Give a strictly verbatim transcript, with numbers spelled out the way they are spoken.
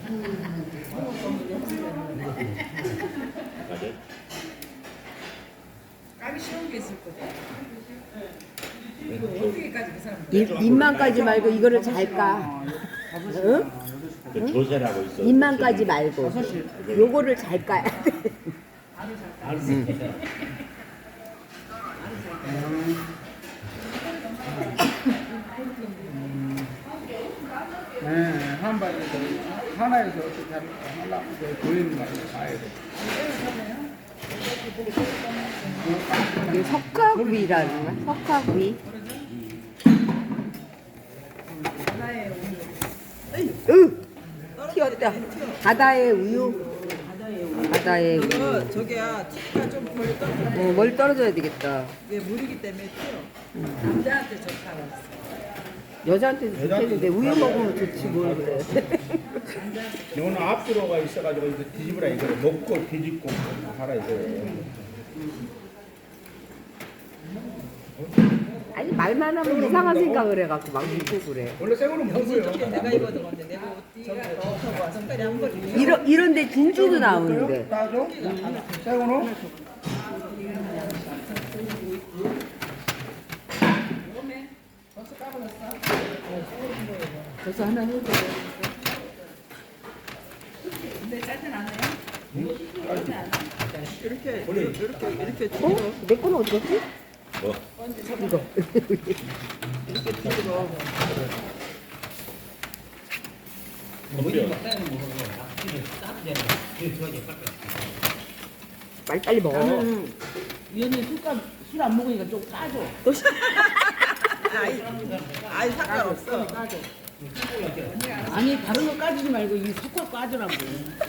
맞아? 까기 쉬운 게 있을 거다. 이거 어떻게까지 그 사람? 입, 입만 까지 말고 이거를 잘 까. 응? 그 조세라고 있어. 입만 까지 말고 요거를 잘 까야 돼. 네, 한 발에서 하나에서 어떻게 하려고 보이는 거 봐야 돼. 이게 석화구이라는 거야? 석화구이. 으! 튀었다. 바다의 우유. 바다의 우유. 이거 저기야 티가 좀 멀리 떨어져. 어, 멀리 떨어져야 되겠다. 이게 물이기 때문에 튀어. 남자한테 좋다고 했어. 여자한테도 좋겠는데 우유 먹으면 좋지 뭘 그래. 이거는 앞으로가 있어가지고 이거 뒤집으라 이거 먹고 뒤집고 하라 이거. 아니 말만 하면 이상한 생각을 해갖고 막 믿고 그래. 원래 새거는 먹어요. 내가 입어도 건데 내가 저기 저기 와서 빨리 한 벌. 이런 이런데 진주도 나오는데. 따줘? 새거는? 벌써 하나 해줘. 근데 짜진 않아요? 이렇게 이렇게 이렇게 어? 내 거는 어디 갔지? 뭐? 이거. 커피요. 빨리빨리 먹어. 위원님 술값 술 안 먹으니까 좀 까줘. 아이 아이 상관없어. 아니 다른 거 까주지 말고 이 석화 까주라고.